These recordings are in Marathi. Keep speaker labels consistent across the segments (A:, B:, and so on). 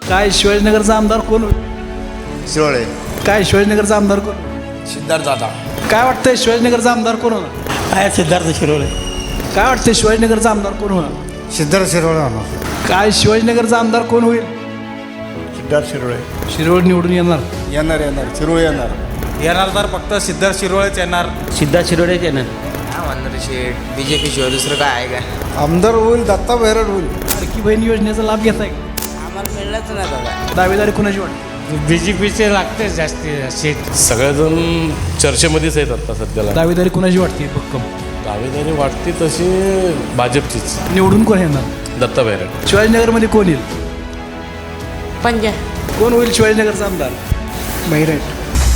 A: काय शिवाजीनगरचा आमदार कोण होईल?
B: शिरोळे.
A: काय शिवाजीनगरचा आमदार कोण होईल?
B: सिद्धार्थ दादा.
A: काय वाटतंय शिवाजीनगरचा आमदार कोण होणार?
C: आहे सिद्धार्थ शिरोळे.
A: काय वाटतंय शिवाजीनगरचा आमदार कोण होणार?
B: सिद्धार्थ शिरोळे होणार.
A: काय शिवाजीनगरचा आमदार कोण होईल?
B: सिद्धार्थ शिरोळे.
A: शिरोळ निवडून येणार.
B: येणार येणार शिरोळे येणार.
D: येणार तर फक्त सिद्धार्थ शिरोळेच येणार.
C: सिद्धार्थ शिरोळेच येणार.
E: काय म्हणणार शेठ बीजेपी शिवाय दुसरं काय आहे का?
B: आमदार होईल दत्ता बैरड होईल.
A: लाडकी बहीण योजनेचा लाभ घेताय का?
E: आम्हाला मिळलंच नाही दादा.
A: दावेदारी कुणाची वाटते?
D: बीजेपीचे लागते जास्ती सीट.
F: सगळेजण चर्चेमध्येच आहेत आता सध्याला.
A: दावेदारी कुणाची वाटते भक्कम?
F: दावेदारी वाटते तशी भाजपचीच.
A: निवडून कोण येणार?
F: दत्ता बैरड.
A: शिवाजीनगरमध्ये कोण येईल?
G: पंजा.
A: कोण होईल शिवाजीनगरचा आमदार?
G: बैरट.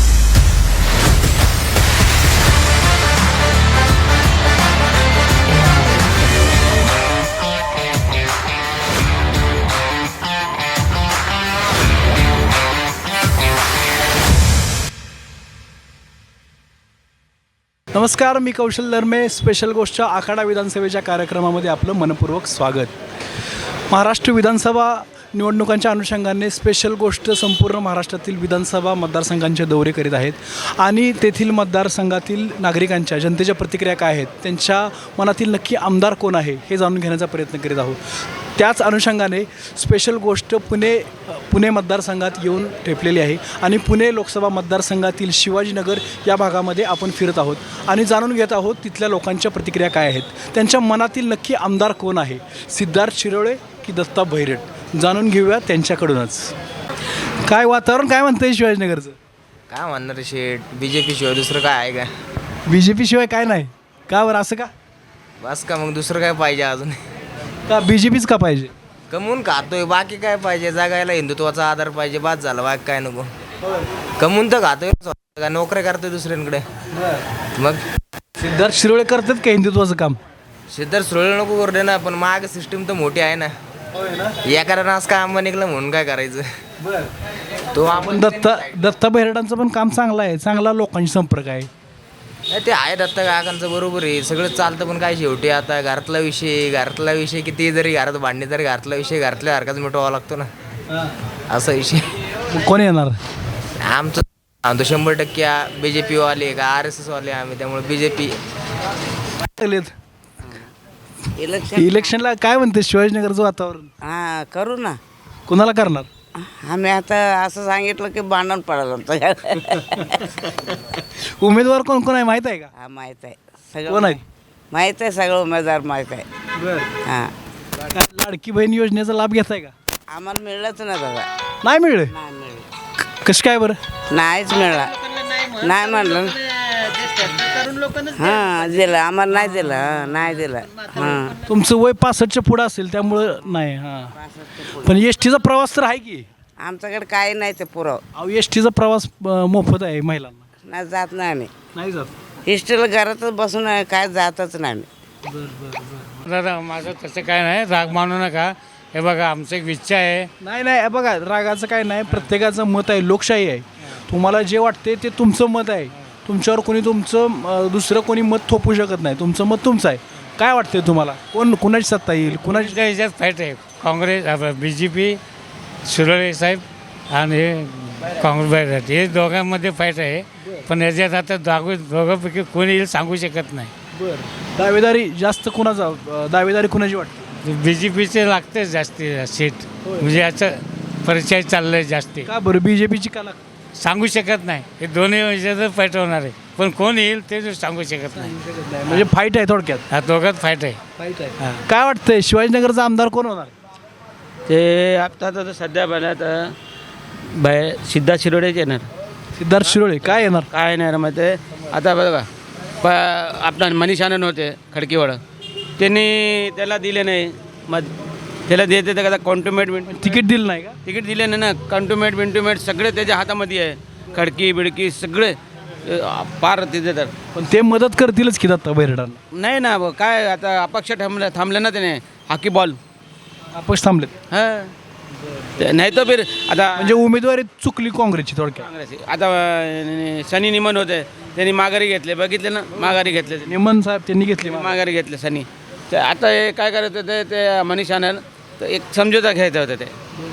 A: नमस्कार, मी कौशल दरमे. स्पेशल गोष्ट आखाडा विधानसभेच्या कार्यक्रमामध्ये आपलं मनपूर्वक स्वागत. महाराष्ट्र विधानसभा निवडणुकांच्या अनुषंगाने स्पेशल गोष्ट संपूर्ण महाराष्ट्रातील विधानसभा मतदारसंघांचे दौरे करीत आहेत आणि तेथील मतदारसंघातील नागरिकांच्या जनतेच्या प्रतिक्रिया काय आहेत, त्यांच्या मनातील नक्की आमदार कोण आहे हे जाणून घेण्याचा प्रयत्न करीत आहोत. त्याच अनुषंगाने स्पेशल गोष्ट पुणे मतदारसंघात येऊन ठेपलेली आहे आणि पुणे लोकसभा मतदारसंघातील शिवाजीनगर या भागामध्ये आपण फिरत आहोत आणि जाणून घेत आहोत तिथल्या लोकांच्या प्रतिक्रिया काय आहेत, त्यांच्या मनातील नक्की आमदार कोण आहे, सिद्धार्थ शिरोळे की दत्ता बैरट, जाणून घेऊया त्यांच्याकडूनच. काय वातावरण काय म्हणतंय शिवाजीनगरचं?
E: काय म्हणणार शेठ बीजेपी शिवाय दुसरं काय आहे का?
A: बी जे पी शिवाय काय नाही का? बरं असं का?
E: बस का मग दुसरं काय पाहिजे अजून?
A: का बी जे पीच का पाहिजे?
E: कमवून खातोय बाकी काय पाहिजे? जगायला हिंदुत्वाचा आधार पाहिजे, बाद झाला बाकी काय नको. कमवून तर खातोय का नोकऱ्या करतोय दुसऱ्यांकडे. मग
A: सिद्धार्थ शिरोळे करतात का हिंदुत्वाचं काम?
E: सिद्धार्थ शिरोळे नको करू दे ना, पण माग सिस्टीम तर मोठी आहे ना. या कारण आज काय आंबा निघलं म्हणून काय करायचं? तो आपण
A: दत्ता बैरडांचं पण काम चांगलं आहे, चांगला लोकांशी संपर्क आहे.
E: ते आहे दत्ता काकांचं बरोबर आहे, सगळं चालतं. पण काय शेवटी आता घरातला विषय किती जरी घरात भांडणे तरी घरातला विषय घरातल्या सारखाच मिटवावा लागतो ना, असा विषय.
A: कोण येणार?
E: आमचं आमचं 100% BJP वाले का RSS वाले आम्ही, त्यामुळे BJP.
A: इलेक्शनला काय म्हणते शिवाजीनगरचं वातावरण?
G: हां करू ना.
A: कुणाला करणार?
G: आम्ही आता असं सांगितलं की भांडण पडायला आमचं.
A: उमेदवार कोण कोण आहे माहीत आहे का?
G: हा माहीत आहे सगळं.
A: कोण आहे?
G: माहीत आहे सगळं, उमेदवार माहीत आहे. हां
A: काय लाडकी बहीण योजनेचा लाभ घेताय का?
G: आम्हाला मिळलंच ना दादा.
A: नाही मिळले.
G: नाही मिळलं.
A: कसं काय बरं?
G: नाहीच मिळला. नाही म्हणलं. हां दिलं आम्हाला, नाही दिलं. नाही दिलं. हां
A: तुमचं वय 65च्या पुढं असेल त्यामुळं नाही. हां पण एस टीचा प्रवास तर आहे की?
G: आमच्याकडे काही नाही ते पुरव.
A: अहो एस टीचा प्रवास मोफत आहे महिलांना.
G: नाही जात नाही आम्ही.
A: नाही जात.
G: हिस्टेला घरातच बसून काय जातच नाही आम्ही.
D: दादा माझं तसं काय नाही, राग मानू नका. हे बघा आमचं एक इच्छा आहे.
A: नाही नाही बघा, रागाचं काय नाही, प्रत्येकाचं मत आहे, लोकशाही आहे. तुम्हाला जे वाटते ते तुमचं मत आहे. तुमच्यावर कोणी तुमचं दुसरं कोणी मत थोपू शकत नाही. तुमचं मत तुमचं आहे. काय वाटते तुम्हाला? कुणाची सत्ता येईल? कुणाची?
D: त्या ह्याच्यात फाईट आहे. काँग्रेस BJP शिरोळे साहेब आणि काँग्रेस बैरट, हे दोघांमध्ये फाईट आहे. पण याच्यात आता दोघांपैकी कोणी येईल सांगू शकत नाही.
A: बरं, दावेदारी जास्त कुणाचा? दावेदारी कुणाची वाटते?
D: BJPचे लागते जास्ती सीट. म्हणजे याचं परिचय चाललंय जास्ती.
A: का बरं BJPची का लागते?
D: सांगू शकत नाही. हे दोन्ही ह्याच्यात फाईट होणार आहे, पण कोण येईल ते सांगू शकत नाही.
A: म्हणजे फाईट आहे थोडक्यात.
D: हा दोघात फाईट आहे.
A: फाईट आहे. काय वाटतंय शिवाजीनगरचा आमदार कोण होणार?
C: ते आता सध्या बनत सिद्धार्थ शिरोळेच येणार.
A: सिद्धार्थ शिरोळे. काय येणार?
C: काय येणार मग ते आता बघा आपला मनीष आनंद होते खडकीवाडा, त्यांनी त्याला दिले नाही. मग त्याला देते तर कॉन्टुमेट
A: तिकीट दिलं नाही का?
C: तिकीट दिले नाही ना. कंटुमेट सगळे त्याच्या हातामध्ये आहे. खडकी बिडकी सगळे पार तिथे. तर
A: पण ते मदत करतीलच की दत्ता बैरडांना?
C: नाही ना काय आता अपक्ष थांबले ना त्याने. हॉकी बॉल
A: अपक्ष थांबलेत.
C: हां नाही तर फिर आता
A: म्हणजे उमेदवारी चुकली काँग्रेसची थोडक्यात.
C: काँग्रेस आता सनी निमन होते, त्यांनी माघारी घेतले. बघितले ना, माघारी घेतले.
A: निमन साहेब त्यांनी घेतली
C: माघारी घेतले सनी. तर आता हे काय करत होते ते मनीष आनंद, तर एक समझोता घ्यायचा होता ते.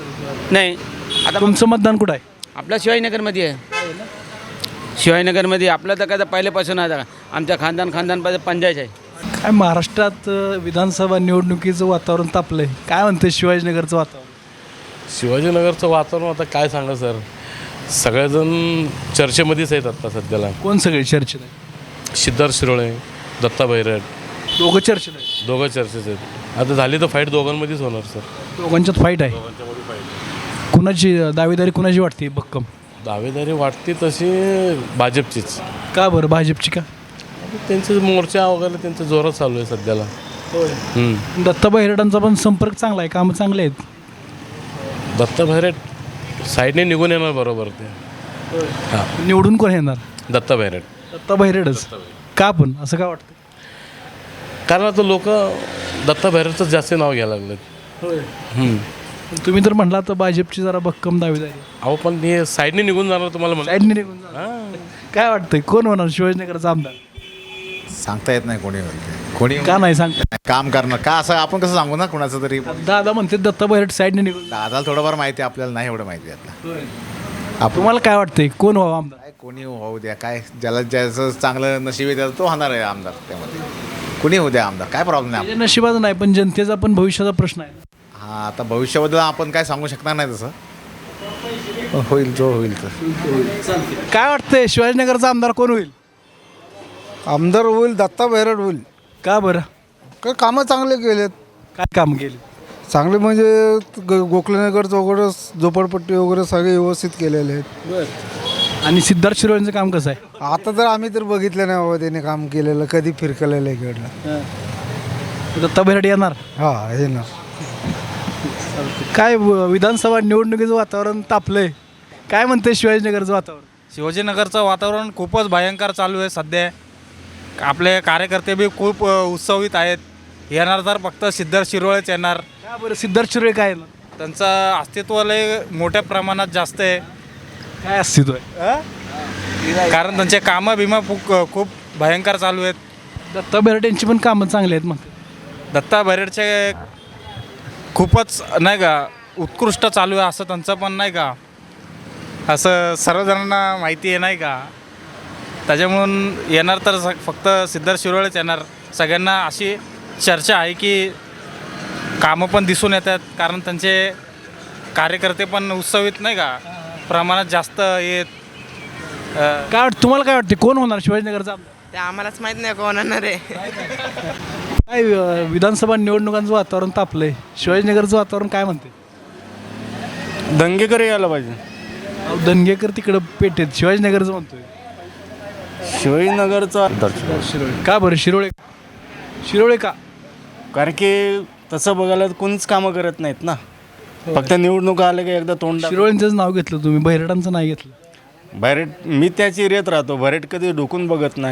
C: नाही आता
A: तुमचं मतदान कुठं आहे?
C: आपल्या शिवाजीनगरमध्ये आहे. शिवाजीनगरमध्ये आपलं तर काय पहिल्यापासून आहे आमच्या खानदानपासून पंचायत आहे.
A: काय महाराष्ट्रात विधानसभा निवडणुकीचं वातावरण तापलं आहे, काय म्हणते शिवाजीनगरचं वातावरण?
F: शिवाजीनगरचं वातावरण आता काय सांगा सर, सगळेजण चर्चेमध्येच आहेत आता सध्याला.
A: कोण सगळे चर्चेत आहे?
F: सिद्धार्थ शिरोळे, दत्ता बैरट,
A: दोघं चर्चेत आहे.
F: दोघं चर्चेत आहेत. आता झाली तर फाईट दोघांमध्येच होणार सर.
A: दोघांच्यात फाईट आहे. कुणाची दावेदारी कुणाची वाटते भक्कम?
F: दावेदारी वाटते तशी भाजपचीच.
A: का बरं भाजपची का?
F: त्यांचे मोर्चा वगैरे त्यांचं जोरात चालू आहे सध्याला.
A: दत्ता हिरडांचा पण संपर्क चांगला आहे, कामं चांगले आहेत.
F: दत्ता बैरट साईडने निघून येणार बरोबर ते. हां,
A: निवडून कोण येणार?
F: दत्ता बैरट.
A: दत्ता बहिरेडच का? पण असं का वाटतं?
F: कारण आता लोक दत्ता बैरटचंच जास्त नाव घ्यायला लागलेत.
A: तुम्ही तर म्हणला तर भाजपची जरा भक्कम दावेदारी आहे.
F: अहो पण हे साईडने निघून जाणार तुम्हाला म्हणलं.
A: साईडने निघून जा. काय वाटतंय कोण होणार शिवाजीनगरचा आमदार?
H: सांगता येत नाही कोणी
A: का नाही सांगता?
H: काम करणार का असं आपण कसं सांगू ना कुणाचं तरी.
A: दादा म्हणते दत्ता बहिरेड साईडने निघून जा.
H: दादाला थोडंफार माहिती आहे, आपल्याला नाही एवढं माहिती आहे.
A: तुम्हाला काय वाटतंय कोण व्हावं आमदार?
H: काय कोणी होऊ द्या, काय ज्याला ज्याचं चांगलं नशीब आहे त्याचं तो होणार आहे आमदार. त्यामध्ये कुणी होऊ द्या आमदार, काय प्रॉब्लेम नाही.
A: त्याच्या नशिबाचा नाही पण जनतेचा पण भविष्याचा प्रश्न आहे.
H: हां, आता भविष्याबद्दल आपण काय सांगू शकणार नाही तसं. पण होईल जो होईल तर.
A: काय वाटतंय शिवाजीनगरचा आमदार कोण होईल?
B: आमदार होईल दत्ता बैरड होईल.
A: का बरं?
B: काय कामं चांगले केलेत.
A: काय काम केले?
B: चांगले म्हणजे गोखलेनगरचं वगैरे झोपडपट्टी वगैरे सगळे व्यवस्थित केलेले आहेत.
A: आणि सिद्धार्थ शिरोळेंचं काम कसं आहे?
B: आता तर आम्ही तर बघितलं नाही बाबा त्याने काम केलेलं, कधी फिरकलेलं इकडलं.
A: दत्ता बहिरेड येणार?
B: हा हे ना.
A: काय विधानसभा निवडणुकीचं वातावरण तापलंय, काय म्हणते शिवाजीनगरचं वातावरण?
I: शिवाजीनगरचं वातावरण खूपच भयंकर चालू आहे सध्या. आपले कार्यकर्ते बी खूप उत्सवित आहेत. येणार तर फक्त सिद्धार्थ शिरोळेच येणार.
A: का बरं सिद्धार्थ शिरोळे काय येणार?
I: त्यांचं अस्तित्व लय मोठ्या प्रमाणात जास्त आहे.
A: काय अस्तित्व आहे?
I: कारण त्यांचे कामं बिमा खूप भयंकर चालू आहेत.
A: दत्ता बहिरेड यांची पण कामं चांगली आहेत. मग
I: दत्ता बैरटचे खूपच नाही का उत्कृष्ट चालू आहे असं त्यांचं पण नाही का, असं सर्वजणांना माहिती आहे नाही का. त्याच्यामुळून येणार तर फक्त सिद्धार्थ शिरोळेच येणार. सगळ्यांना अशी चर्चा आहे की कामं पण दिसून येतात, कारण त्यांचे कार्यकर्ते पण उत्सवित नाही का प्रमाणात जास्त येत.
A: काय वाटतं तुम्हाला? काय वाटते कोण होणार शिवाजीनगरचा आमदार?
E: ते आम्हालाच माहीत नाही कोण होणार आहे.
A: काय विधानसभा निवडणुकांचं वातावरण तापलंय, शिवाजीनगरचं वातावरण काय म्हणते?
B: दंगेकर यायला पाहिजे.
A: अहो, दंगेकर तिकडं पेटेत, शिवाजीनगरचं म्हणतोय.
B: शिवाजीनगरचा
A: शिरोळे का बरं? शिरोळे का?
B: कारण की तसं बघायला कोणीच कामं करत नाहीत ना. फक्त निवडणूक आलं की एकदा तोंड
A: शिरोळेंचंच नाव घेतलं तुम्ही, बहिरडांचं नाही घेतलं.
B: भरेट मी त्याची रेत राहतो. भरेट कधी ढुकून बघत नाही.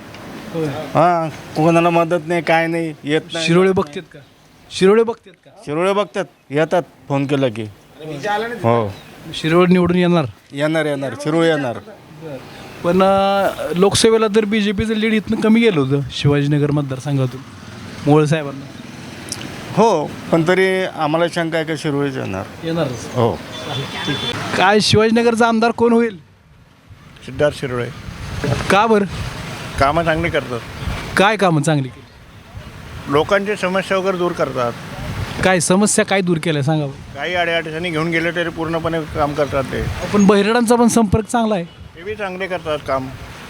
B: हां, कोणाला मदत नाही, काय नाही, येत नाही.
A: शिरोळे बघतात का? शिरोळे बघतात का?
B: शिरोळे बघतात, येतात फोन केला की. हो,
A: शिरोळे निवडून येणार.
B: येणार शिरोळे येणार.
A: पण लोकसभेला तर बी जे पीचं लीड इथनं कमी गेलं होतं शिवाजीनगर मतदारसंघातून मोहोळ साहेबांना.
B: हो, पण तरी आम्हाला शंका आहे का शिरोळेच येणार. हो.
A: काय शिवाजीनगरचा आमदार कोण होईल?
B: सिद्धार्थ शिरोळे
A: का बरं?
B: कामं चांगली करतात.
A: काय कामं चांगली केली?
B: लोकांची समस्या वगैरे दूर करतात.
A: काय समस्या काय दूर केल्या सांगा बरं.
B: काही अडचणी घेऊन गेले तरी पूर्णपणे काम करतात ते.
A: पण बहिरडांचा पण संपर्क चांगला आहे.
B: ते बी चांगले करतात काम.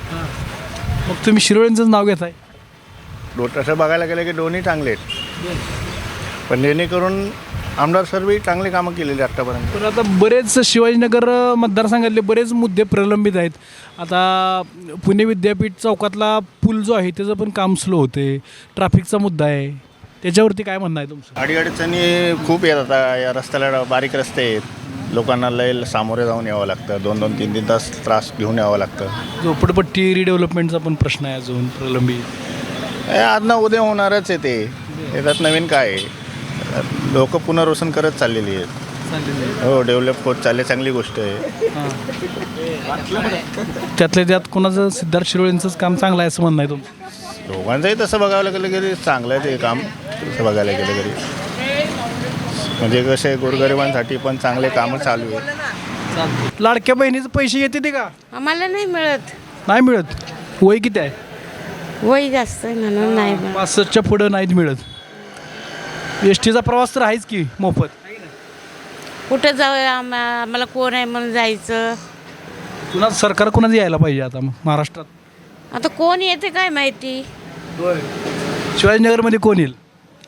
A: मग तुम्ही शिरोळेंचंच नाव घेताय.
B: तसं बघायला गेलं की दोन्ही चांगले आहेत. पण जेणेकरून आमदार सर्वही चांगली कामं केलेली आत्तापर्यंत.
A: पण आता बरेच शिवाजीनगर मतदारसंघातले बरेच मुद्दे प्रलंबित आहेत. आता पुणे विद्यापीठ चौकातला पूल जो आहे त्याचं पण काम स्लो होते. ट्रॅफिकचा मुद्दा आहे, त्याच्यावरती काय म्हणणं आहे तुमचं?
B: अडीअडचणी खूप येतात. आता या रस्त्याला बारीक रस्ते आहेत, लोकांना लय सामोरे जाऊन यावं लागतं. 2-2, 3-3 तास त्रास घेऊन यावं लागतं.
A: झोपडपट्टी रिडेव्हलपमेंटचा पण प्रश्न आहे अजून प्रलंबित.
B: आज ना उद्या होणारच आहे ते. त्याच्यात नवीन काय आहे, लोक पुनर्वसन करत चाललेली आहेत. हो, डेव्हलप होत चालले, चांगली गोष्ट आहे.
A: त्यातल्या त्यात कोणाचं सिद्धार्थ शिरोळेंचंच काम चांगलं आहे असं म्हणणं आहे तुमचं?
B: दोघांचंही तसं बघायला गेलं तरी चांगलं आहे ते काम. तसं बघायला गेलं तरी म्हणजे कसे गोरगरिबांसाठी पण चांगले कामं चालू आहे.
A: लाडक्या बहिणीचे पैसे येते ते का?
J: आम्हाला नाही मिळत.
A: नाही मिळत. वय किती आहे?
J: वय जास्त आहे म्हणून नाही मिळत.
A: 65च्या पुढं नाहीत मिळत. एस टीचा प्रवास तर आहेच की मोफत.
J: कुठं जाऊ आम्हाला कोण आहे म्हणून जायचं.
A: पुन्हा सरकार कोणाचं यायला पाहिजे आता मग महाराष्ट्रात?
J: आता कोण येते काय माहिती.
A: शिवाजीनगरमध्ये कोण येईल?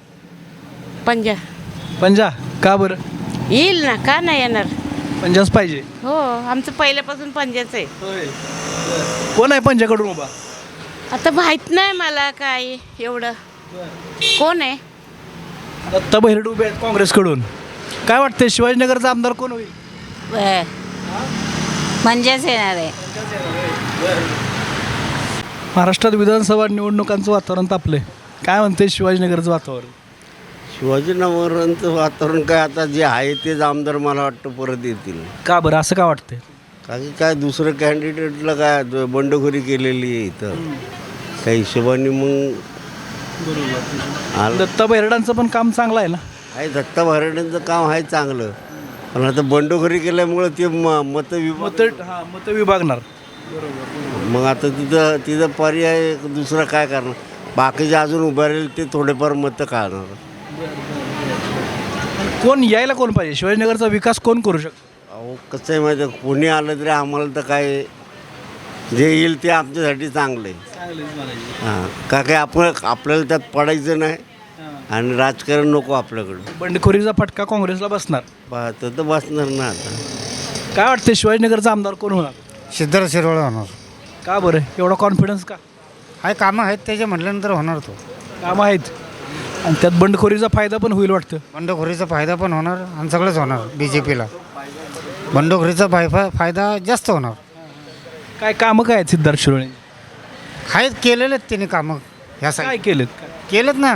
A: पंजा का बरं?
J: येईल ना, का नाही येणार.
A: पंजाच पाहिजे.
J: हो, आमचं पहिल्यापासून पंजाच आहे.
A: कोण आहे पंजाकडून उभा?
J: आता माहित नाही मला काय एवढं. कोण आहे?
A: दत्ता बहिरड उभे आहेत काँग्रेसकडून. काय वाटतंय शिवाजीनगरचा आमदार कोण होईल?
J: पंजाच येणार आहे.
A: महाराष्ट्रात विधानसभा निवडणुकांचं वातावरण तापलंय. काय म्हणते शिवाजीनगरचं वातावरण?
K: शिवाजीनगरांचं वातावरण काय, आता जे आहे तेच आमदार मला वाटतं परत येतील.
A: का बरं असं का वाटतंय?
K: कारण काय दुसरं कॅन्डिडेटला काय बंडखोरी केलेली आहे इथं त्या हिशोबाने मग
A: दत्ता बहिरडांचं पण काम चांगलं आहे ना?
K: आहे. दत्ता भारड्यांचं काम आहे चांगलं, पण आता बंडखोरी केल्यामुळं ते मत
A: विभागणार.
K: मग आता तिथं पर्याय दुसरा काय करणार. बाकीचे अजून उभे राहील ते थोडेफार मतं काढणार.
A: कोण यायला कोण पाहिजे? शिवाजीनगरचा विकास कोण करू शकतो?
K: अहो कसं आहे माहिती आहे, कोणी आलं तरी आम्हाला तर काय जे येईल ते आमच्यासाठी चांगलं आहे. हां, का काय आपल्याला त्यात पडायचं नाही आणि राजकारण नको आपल्याकडं.
A: बंडखोरीचा फटका काँग्रेसला बसणार.
K: पाहतं तर बसणार ना. आता
A: काय वाटतं शिवाजीनगरचा आमदार कोण होणार?
D: सिद्धार्थ शिरोळे होणार.
A: का बरं एवढा कॉन्फिडन्स का?
D: हाय, कामं आहेत त्याचे म्हटल्यानंतर होणार तो.
A: कामं आहेत आणि त्यात बंडखोरीचा फायदा पण होईल वाटतं.
D: बंडखोरीचा फायदा पण होणार आणि सगळंच होणार. BJPला बंडखोरीचा फायदा जास्त होणार.
A: काय कामं काय आहेत सिद्धार्थ शिरोळे?
D: आहेत, केलेले आहेत त्यांनी कामं. ह्या
A: काय केलेत?
D: केलेत ना.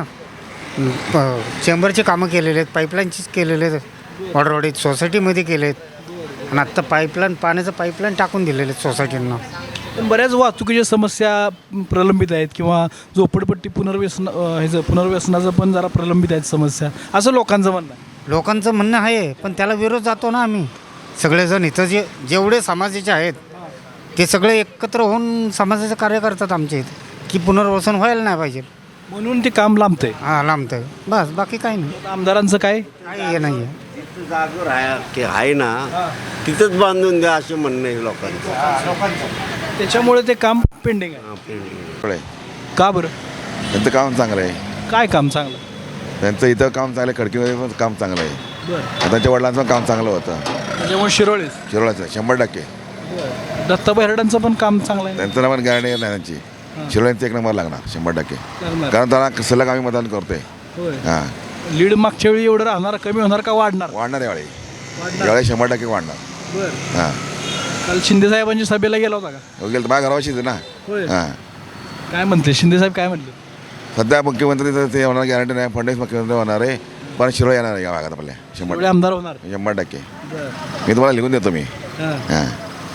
D: चेंबरची कामं केलेले आहेत, पाईपलाईनचीच केलेले आहेत, वॉटरवाडीत सोसायटीमध्ये केले आहेत आणि आत्ता पाण्याचं पाईपलाईन टाकून दिलेले आहेत सोसायटींना.
A: पण बऱ्याच वाहतुकीच्या समस्या प्रलंबित आहेत किंवा झोपडपट्टी पुनर्वसनाचं पण जरा प्रलंबित आहेत समस्या, असं लोकांचं म्हणणं आहे.
D: लोकांचं म्हणणं आहे, पण त्याला विरोध जातो ना आम्ही सगळेजण. इथं जेवढे समाजाचे आहेत ते सगळे एकत्र होऊन समाजाचं कार्य करतात आमच्या इथे की पुनर्वसन व्हायला नाही पाहिजे
A: म्हणून ते काम लांबतंय.
D: हां, लांबतं आहे बस, बाकी काही नाही.
A: आमदारांचं काय
D: काही नाही आहे.
K: जागेवर आहे ना, तिथंच बांधून द्या असे म्हणणं आहे लोकांचं.
A: त्याच्यामुळे ते काम पेंडिंग आहे. का बरं?
L: त्यांचं काम चांगलं आहे.
A: काय काम चांगलं?
L: त्यांचं इथं काम चांगलं आहे, खडकीमध्ये पण काम चांगलं आहे.
A: बरं,
L: त्यांच्या वडिलांचं पण काम चांगलं होतं.
A: त्याच्यामुळे
L: शिरोळाचं 100%.
A: दत्ता बहिरडांचं पण काम चांगलं आहे.
L: त्यांचं पण गॅरंटी नाही त्यांची. शिरोळ्यांचं 1 नंबर लागणार 100%. कारण त्यांना सलग आम्ही मतदान करतोय. हां,
A: लीड मागच्या वेळी एवढं राहणार, कमी होणार का वाढणार?
L: वाढणार यावेळी. यावेळी 100% वाढणार.
A: बरं.
L: हां,
A: काल शिंदे साहेबांची सभेला गेला होता का?
L: गेलं तर माझ्या घरावाशीच आहे ना. हां,
A: काय म्हणते शिंदे साहेब? काय म्हणले?
L: सध्या मुख्यमंत्री तर ते होणार गॅरंटी नाही. फडणवीस मुख्यमंत्री होणार आहे, पण शिरोळ येणार आहे या भागात आपल्या 100%.
A: आमदार होणार
L: 100%. मी तुम्हाला लिहून देतो मी. हां,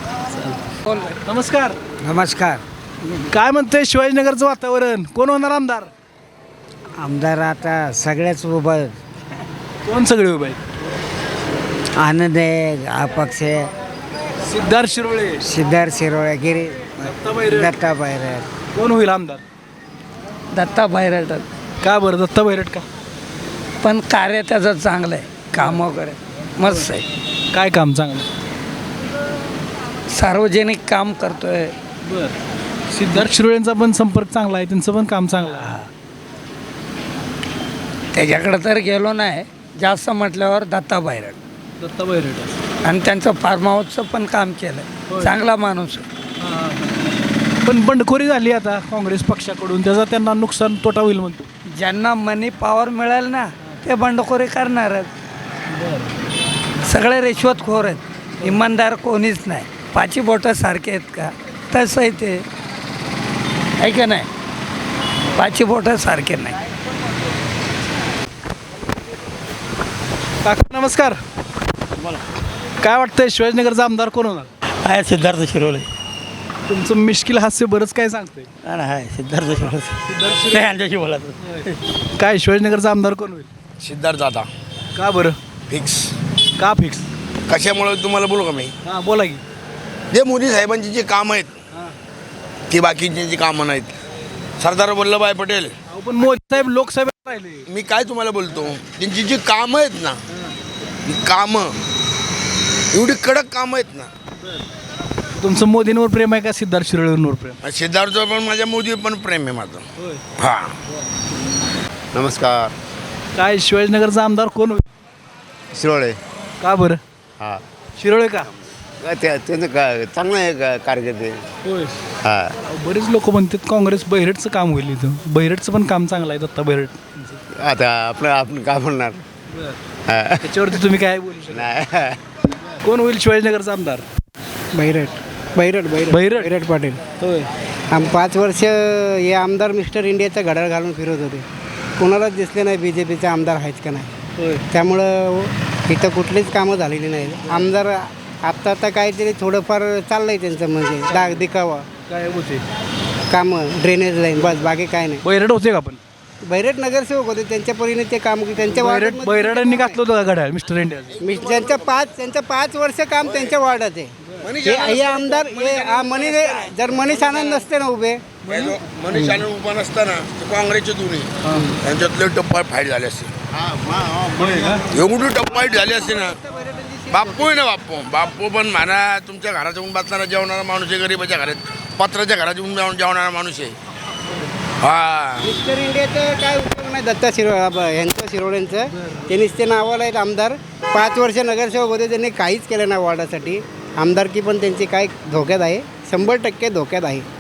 A: नमस्कार.
D: नमस्कार.
A: काय म्हणते शिवाजीनगरचं वातावरण? कोण होणार आमदार?
D: आमदार आता सगळ्याच उभा.
A: कोण सगळे उभे आहेत?
D: आनंद आहे, अपक्ष आहे,
A: सिद्धार्थ शिरोळे,
D: सिद्धार्थ शिरोळे, गिरी,
A: दत्ता
D: बैरट.
A: कोण होईल आमदार?
D: दत्ता बैरट.
A: का बरं दत्ता बहिरट का?
D: पण कार्य त्याचं चांगलं आहे, काम वगैरे मस्त आहे.
A: काय काम चांगलं?
D: सार्वजनिक काम करतोय.
A: बरं, सिद्धार्थ शिरोळेंचा पण संपर्क चांगला आहे, त्यांचं पण काम चांगलं आहे.
D: त्याच्याकडं तर गेलो नाही जास्त म्हटल्यावर दत्ता बैरट.
A: दत्ता बहिरट
D: आणि त्यांचं फार्म हाऊसचं पण काम केलं. चांगला माणूस आहे.
A: पण बंडखोरी झाली आता काँग्रेस पक्षाकडून, त्याचा त्यांना नुकसान तोटा होईल म्हणतो.
D: ज्यांना मनी पॉवर मिळेल ना ते बंडखोरी करणारच. सगळे रिश्वतखोर आहेत, इमानदार कोणीच नाही. पाची बोटं सारखे आहेत का? तसं आहे ते, आहे का नाही? पाची बोटं सारखे नाही.
A: काका नमस्कार. काय वाटतंय शिवाजीनगरचा आमदार कोण होणार?
D: आहे सिद्धार्थ शिरोळे.
A: तुमचं मिश्किल हास्य बरंच काय सांगतंय.
D: आहे सिद्धार्थ शिरोळे. यांच्याशी बोलायचं.
A: काय शिवाजीनगरचा आमदार कोण होईल?
I: सिद्धार्थ दादा.
A: का बरं?
M: फिक्स.
A: का फिक्स?
M: कशामुळे तुम्हाला बोलू का मी?
A: हां बोला की.
M: जे मोदी साहेबांची जी कामं आहेत ती बाकीची जी कामं नाहीत. सरदार वल्लभभाई पटेल,
A: अहो, पण मोदी साहेब लोकसभेत राहिले.
M: मी काय तुम्हाला बोलतो, त्यांची जी कामं आहेत ना, ही कामं एवढी कडक कामं आहेत ना.
A: तुमचं मोदींवर प्रेम आहे का सिद्धार्थ शिरोळेंवर प्रेम?
M: सिद्धार्थवर पण माझ्या मोदी पण प्रेम आहे माझं. हां.
B: नमस्कार.
A: काय शिवाजीनगरचा आमदार कोण होईल?
B: शिरोळे.
A: का बरं?
B: हां.
A: शिरोळे का?
B: त्यांचं चांगलं आहे कार्यकर्ते.
A: होय.
B: हां.
A: बरेच लोक म्हणतात काँग्रेस बहिरटचं काम होईल इथं. बहिरटचं पण काम चांगलं आहे दत्ता बहिरट.
B: आता आपण काय म्हणणार. हां.
A: त्याच्यावरती तुम्ही काय बोलू शकता?
B: नाही.
A: कोण होईल शिवाजीनगरचा आमदार?
N: बहिरट पाटील.
A: होय.
N: 5 वर्ष हे आमदार मिस्टर इंडियाचा घड्याळ घालून फिरत होते. कोणालाच दिसले नाही बी जे पीचे आमदार आहेत का नाही.
A: होय.
N: त्यामुळं इथं कुठलीच कामं झालेली नाही. आमदार आत्ता काहीतरी थोडंफार चाललं आहे त्यांचं, म्हणजे डाग दिखावा
A: काय होते
N: कामं, ड्रेनेज लाईन, बस बाकी काय नाही.
A: बहिरट होते का पण?
N: बहिरट नगरसेवक होते, त्यांच्या परीने ते काम त्यांच्या
A: बहिरटांनी घातलं होतं का घड्याळ मिस्टर इंडिया?
N: त्यांचं 5 वर्ष काम त्यांच्या वार्डात आहे. हे आमदार जर मनीष आनंद नसते ना उभे,
M: मनीष आनंद उभा नसताना काँग्रेसचे दोन्ही त्यांच्यातले टप्पा फाईट झाले असते. एवढी टप्पाईट झाली असते ना. बाप्पू आहे ना, बाप्पू पण म्हणा तुमच्या घरात येऊन बसणारा जेवणारा माणूस आहे. गरीबाच्या घरात पत्राच्या घरात येऊन जेवणारा माणूस आहे. हा.
N: मिस्टर इंडियाचं काय उपयोग नाही. दत्ता यांचं शिरोळ्यांचं त्यांनीच ते नावाला आहेत आमदार. 5 वर्ष नगरसेवक होते, त्यांनी काहीच केलं नाही वार्डासाठी. आमदारकी पण त्यांची काय धोक्यात आहे, 100% धोक्यात आहे.